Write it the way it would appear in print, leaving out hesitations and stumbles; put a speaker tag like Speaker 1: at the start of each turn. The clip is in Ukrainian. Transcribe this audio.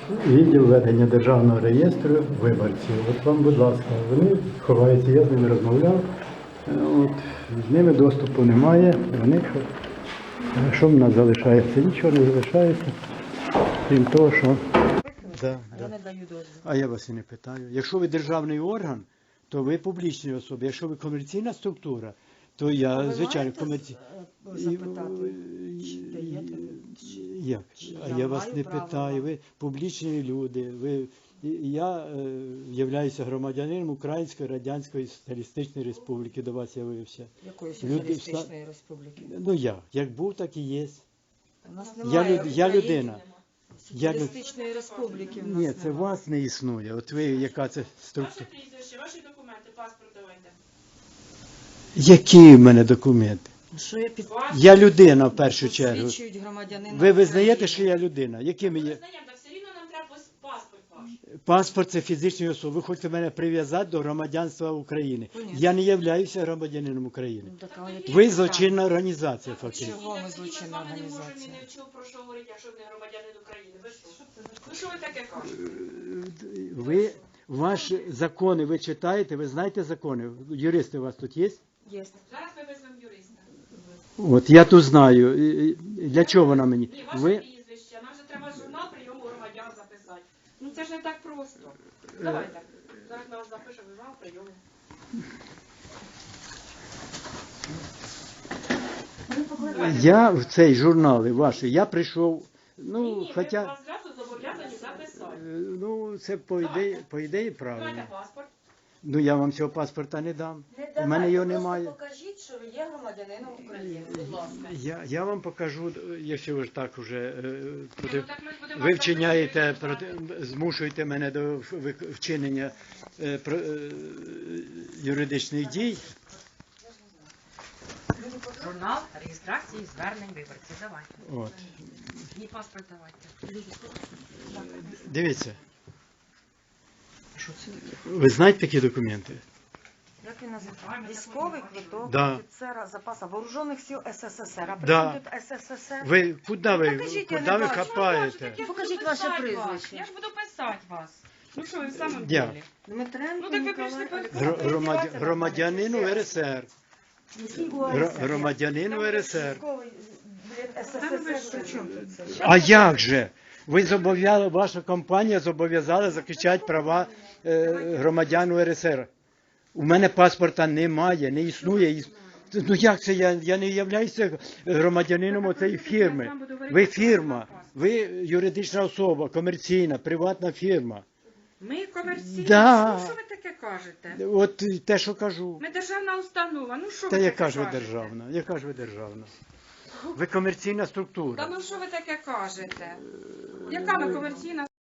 Speaker 1: відділ ведення державного реєстру виборців. От вам, будь ласка, вони ховаються, я з ними розмовляв. От, з ними доступу немає. Вони що в нас залишається? Нічого не залишається, крім того, що... Да. А я вас і не питаю. Якщо ви державний орган, то ви публічні особи. Якщо ви комерційна структура, то я, звичайно, комерційна. Як? А я вас не питаю. Ви публічні люди. Я являюся громадянином Української Радянської Соціалістичної Республіки. До вас явився.
Speaker 2: Якої Соціалістичної Республіки?
Speaker 1: Ну як був, так і є.
Speaker 2: У нас немає
Speaker 1: Я людина.
Speaker 2: Соціалістичної Республіки.
Speaker 1: Ні, це вас не існує. От ви, яка це структура?
Speaker 3: Ваше прізвище, ваші документи, паспорт давайте.
Speaker 1: Які в мене документи?
Speaker 2: Що я
Speaker 1: Я людина в першу чергу.
Speaker 2: Посвідчують громадянина
Speaker 1: Ви визнаєте,
Speaker 2: України.
Speaker 1: що я людина? Якими є?
Speaker 3: Визнаємо, так все рівно нам треба паспорт ваш.
Speaker 1: Паспорт – це фізичної особи. Ви хочете мене прив'язати до громадянства України.
Speaker 2: Конечно.
Speaker 1: Я не являюся громадянином України.
Speaker 2: Ну, так, а які
Speaker 1: Ви
Speaker 2: підстави?
Speaker 1: злочинна організація, фактично.
Speaker 2: Чого ми
Speaker 3: Так,
Speaker 2: злочинна
Speaker 3: з вами не можемо
Speaker 2: організація?
Speaker 3: і не вчив про що говорити, якщо ви не громадянин України. Ви що? Ну що ви таке кажете?
Speaker 1: Ви, ваші закони ви читаєте, ви знаєте закони? Юристи у вас тут є?
Speaker 2: Є.
Speaker 3: Зараз ми візьмемо юриста.
Speaker 1: От, я тут знаю. Для чого вона мені?
Speaker 3: Ні, ваше
Speaker 1: Ви...
Speaker 3: прізвище, нам же треба журнал прийому громадян записати. Ну це ж не так просто. Давайте. Зараз ми вас запишемо журнал прийому.
Speaker 1: Я в цей журнал ваші, я прийшов, ну,
Speaker 3: Ні,
Speaker 1: хоча,
Speaker 3: ви вас зразу зобов'язані записати.
Speaker 1: ну, це по ідеї правильно.
Speaker 3: Давайте паспорт.
Speaker 1: Ну, я вам цього паспорта не дам. У мене його немає.
Speaker 2: Покажіть, що ви є громадянином України, будь ласка.
Speaker 1: Я вам покажу, якщо ви ж так вже
Speaker 3: Ну, так ми ж будемо
Speaker 1: ви
Speaker 3: вас
Speaker 1: вчиняєте,
Speaker 3: записувати.
Speaker 1: змушуєте мене до вчинення юридичних дій.
Speaker 4: Журнал реєстрації звернень виборців. Давайте.
Speaker 1: От.
Speaker 4: І паспорт давайте.
Speaker 1: Дивіться,
Speaker 2: Що це?
Speaker 1: ви знаєте такі документи?
Speaker 2: Як він називається? Військовий квиток
Speaker 1: Да.
Speaker 2: офіцера запасу Вооружених сил СССР. А при
Speaker 1: Да.
Speaker 2: чому тут СССР?
Speaker 1: Ви куди ви,
Speaker 2: Покажіть, я
Speaker 1: куди
Speaker 2: не
Speaker 1: ви
Speaker 2: бачу.
Speaker 1: хапаєте?
Speaker 2: Покажіть ваше прізвище.
Speaker 3: Я ж буду писати вас. Ну що ви в самому
Speaker 1: Я.
Speaker 3: ділі?
Speaker 2: Дмитренко
Speaker 3: Ну так ви прийшли
Speaker 2: Ніколай.
Speaker 1: Громадянин УРСР.
Speaker 2: Який УРСР?
Speaker 1: Громадянин УРСР.
Speaker 2: Військовий, блін, СССР. При чому тут це?
Speaker 1: А як же? Ви зобов'язали, ваша компанія зобов'язала захищати права громадян УРСР. У мене паспорта немає, не існує. Ну як це я не являюся громадянином оцеї фірми? Ви фірма, ви юридична особа, комерційна, приватна фірма.
Speaker 3: Ми комерційні.
Speaker 1: Да.
Speaker 3: Ну що ви таке кажете?
Speaker 1: От те, що кажу.
Speaker 3: Ми державна установа. Ну що
Speaker 1: Та
Speaker 3: ви
Speaker 1: яка
Speaker 3: таке
Speaker 1: ж ви
Speaker 3: кажете?
Speaker 1: державна? Яка ж ви державна? Ви комерційна структура.
Speaker 3: Та ну що ви таке кажете? Яка ми комерційна